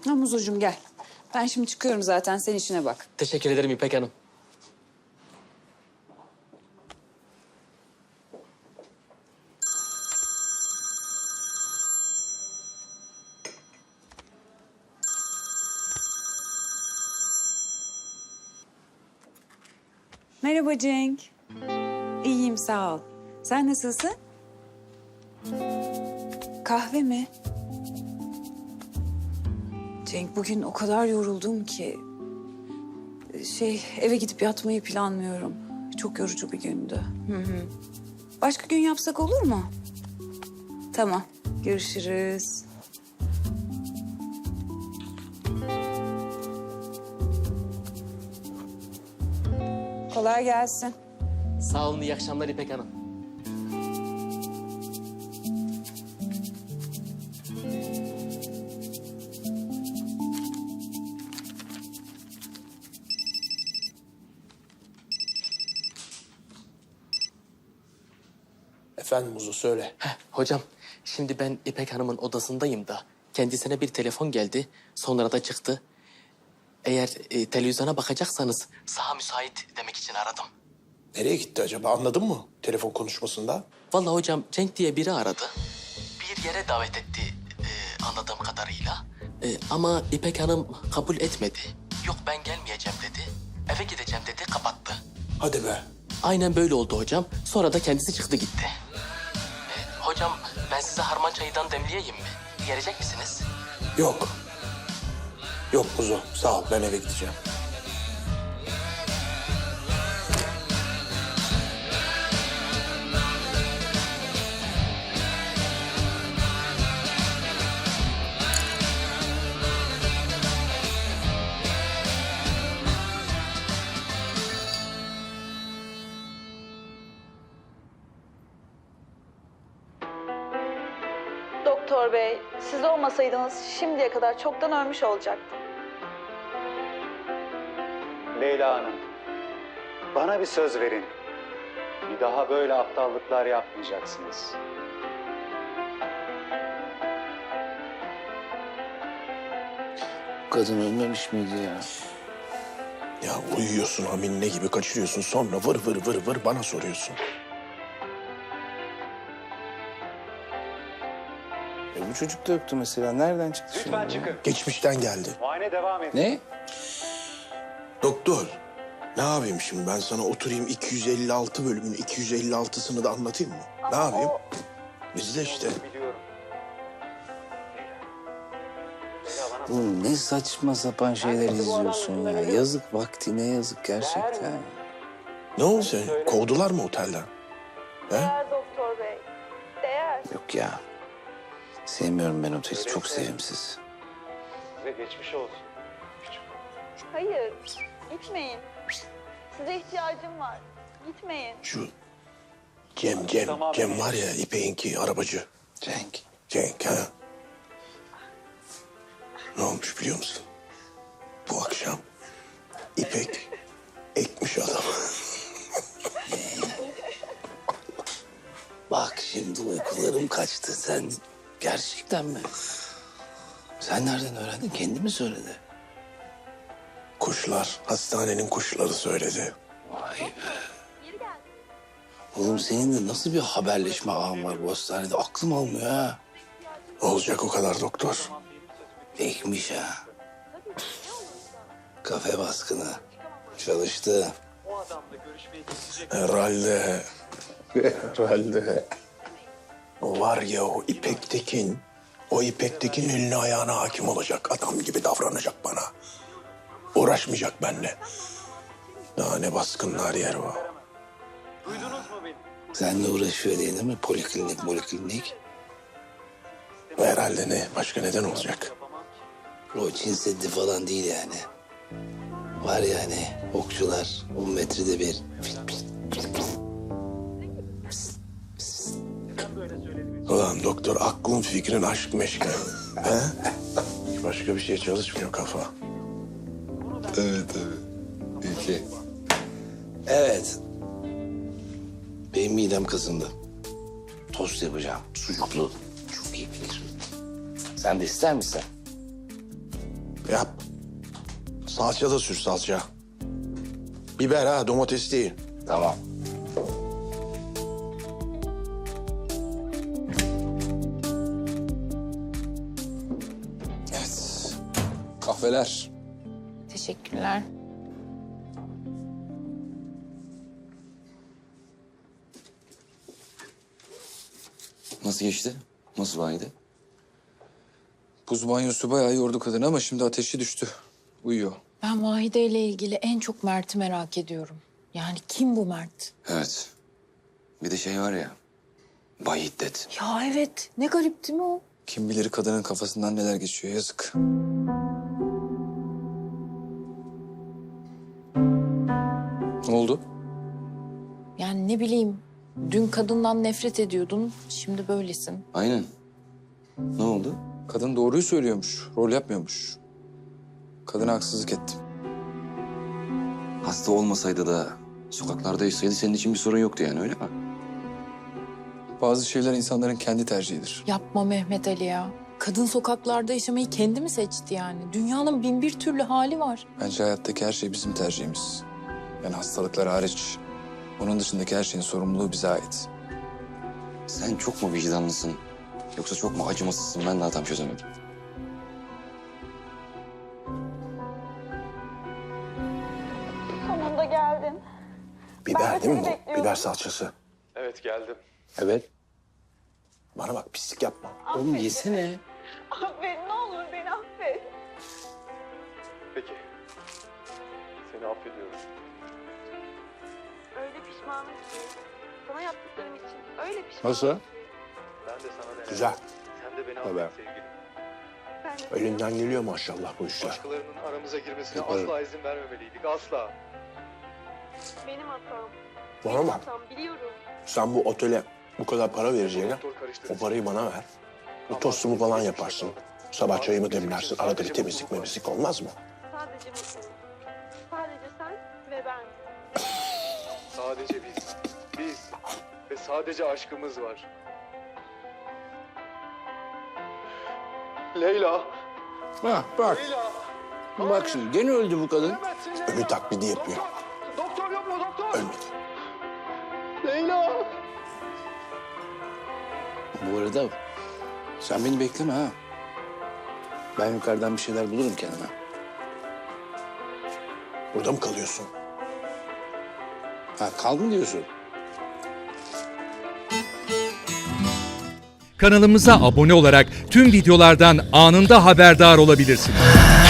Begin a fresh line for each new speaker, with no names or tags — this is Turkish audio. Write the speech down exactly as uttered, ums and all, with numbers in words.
Ha Muzocuğum gel. Ben şimdi çıkıyorum zaten, sen işine bak.
Teşekkür ederim İpek Hanım.
Merhaba Cenk. İyiyim sağ ol. Sen nasılsın? Kahve mi? Cenk bugün o kadar yoruldum ki... Şey eve gidip yatmayı planlıyorum. Çok yorucu bir gündü. Hı hı. Başka gün yapsak olur mu? Tamam. Görüşürüz. Kolay gelsin.
Sağ olun, iyi akşamlar İpek Hanım.
Efendim Muzo söyle.
Heh, hocam, şimdi ben İpek Hanım'ın odasındayım da kendisine bir telefon geldi, sonra da çıktı. Eğer e, televizyona bakacaksanız saha müsait demek için aradım.
Nereye gitti acaba, anladın mı telefon konuşmasında?
Vallahi hocam Cenk diye biri aradı. Bir yere davet etti e, anladığım kadarıyla. E, ama İpek Hanım kabul etmedi. Yok ben gelmeyeceğim dedi. Eve gideceğim dedi, kapattı.
Hadi be.
Aynen böyle oldu hocam. Sonra da kendisi çıktı gitti. E, hocam ben size harman çayından demleyeyim mi? Gelecek misiniz?
Yok. Yok Muzo, sağ ol, ben eve gideceğim.
Doktor bey, siz olmasaydınız şimdiye kadar çoktan ölmüş olacaktım.
Leyla Hanım, bana bir söz verin. Bir daha böyle aptallıklar yapmayacaksınız.
Kadın ölmemiş miydi ya?
Ya uyuyorsun haminle gibi kaçırıyorsun, sonra vır vır vır vır bana soruyorsun.
E bu çocuk da yoktu mesela. Nereden çıktı
Lütfen
şimdi?
çıkın.
Geçmişten geldi.
Muayene devam edin.
Ne?
Doktor, ne yapayım şimdi ben sana oturayım iki yüz elli altı bölümün iki yüz elli altısını da anlatayım mı? Ne yapayım? Bizde işte.
Biliyorum.
Oğlum ne saçma sapan şeyler izliyorsun ya. Yazık, vaktine yazık gerçekten.
Ne oldu sen? Kovdular mı otelden? He?
Değer doktor bey, değer.
Yok ya. Sevmiyorum ben oteli. Çok sevimsiz.
Size geçmiş olsun. Küçük.
Hayır, gitmeyin. Size ihtiyacım var. Gitmeyin.
Şu Cem, Cem, Cem var ya İpek'inki arabacı.
Cenk.
Cenk ha. Ne olmuş biliyor musun? Bu akşam İpek ekmiş adamı.
Bak şimdi uykularım kaçtı. Sen gerçekten mi? Sen nereden öğrendin? Kendi mi söyledi?
Kuşlar, hastanenin kuşları söyledi.
Vay be. Oğlum senin de nasıl bir haberleşme ağın var bu hastanede? Aklım almıyor ha.
Olacak o kadar doktor.
Ekmiş ha. Kafe baskını. Çalıştı.
Herhalde. Herhalde. O var ya o İpek Tekin. O İpek Tekin eline ayağına hakim olacak. Adam gibi davranacak bana. Uğraşmayacak benimle. Daha ne baskınlar yer o.
Seninle uğraşıyor diye değil mi? Poliklinik, poliklinik.
Herhalde ne? Başka neden olacak?
O Çin Seddi falan değil yani. Var yani okçular on metrede bir.
Ulan doktor aklın fikrin aşk meşke. He? Başka bir şey çalışmıyor kafa.
Evet evet. Peki. Evet. Benim midem kazındı. Tost yapacağım. Sucuklu. Çok iyi fikir. Sen de ister misin?
Yap. Salça da sür salça. Biber ha, domates değil.
Tamam.
Evet. Kahveler.
Teşekkürler.
Nasıl geçti? Nasıl baydı?
Buz banyosu bayağı yordu kadını ama şimdi ateşi düştü. Uyuyor.
Ben Vahide ile ilgili en çok Mert'i merak ediyorum. Yani kim bu Mert?
Evet. Bir de şey var ya. Bay Hiddet.
Ya evet. Ne garip değil mi o?
Kim bilir kadının kafasından neler geçiyor, yazık. Ne oldu?
Yani ne bileyim. Dün kadından nefret ediyordun. Şimdi böylesin.
Aynen. Ne oldu?
Kadın doğruyu söylüyormuş, rol yapmıyormuş. Kadına haksızlık ettim.
Hasta olmasaydı da sokaklarda yaşasaydı senin için bir sorun yoktu yani, öyle mi?
Bazı şeyler insanların kendi tercihidir.
Yapma Mehmet Ali ya. Kadın sokaklarda yaşamayı kendi mi seçti yani? Dünyanın bin bir türlü hali var.
Bence hayattaki her şey bizim tercihimiz. Yani hastalıklar hariç. Onun dışındaki her şeyin sorumluluğu bize ait.
Sen çok mu vicdanlısın? Yoksa çok mu acımasızsın? Ben daha tam çözemedim.
Sonunda geldin. Ben
Biber
de
değil mi
seni
bu?
bekliyordum.
Biber salçası.
Evet geldim.
Evet.
Bana bak, pislik yapma.
Oğlum yesene.
Affet, ne olur beni affet.
Peki. Seni affediyorum.
Öyle pişmanım ki. Sana yaptıklarım için öyle pişmanım.
Nasıl?
Ben de sana ne?
Güzel.
Sen de beni
Tabii.
affet sevgilim.
Ben de
Elinden geliyor maşallah bu işler.
Başkalarının aramıza girmesine
Yaparım.
asla izin vermemeliydik. Asla.
benim hatam.
Bana bak,
Hatam biliyorum.
sen bu otele bu kadar para vereceğine
Doktor karıştırdı.
o parayı bana ver. Bir tostumu falan yaparsın. Sabah çayımı demlersin. Arada bir temizlik memizlik olmaz mı?
Sadece mutluyum. Sadece sen ve ben.
Sadece biz. Biz. Ve sadece aşkımız var. Leyla.
Ha bak.
Leyla.
Bak şimdi gene öldü bu kadın.
Ölü taklidi yapıyor.
Doktor yok mu doktor?
Ölmedi.
Leyla.
Bu arada sen beni bekleme ha. Ben yukarıdan bir şeyler bulurum kendime.
Burada mı kalıyorsun?
Ha kal mı diyorsun?
Kanalımıza abone olarak tüm videolardan anında haberdar olabilirsiniz.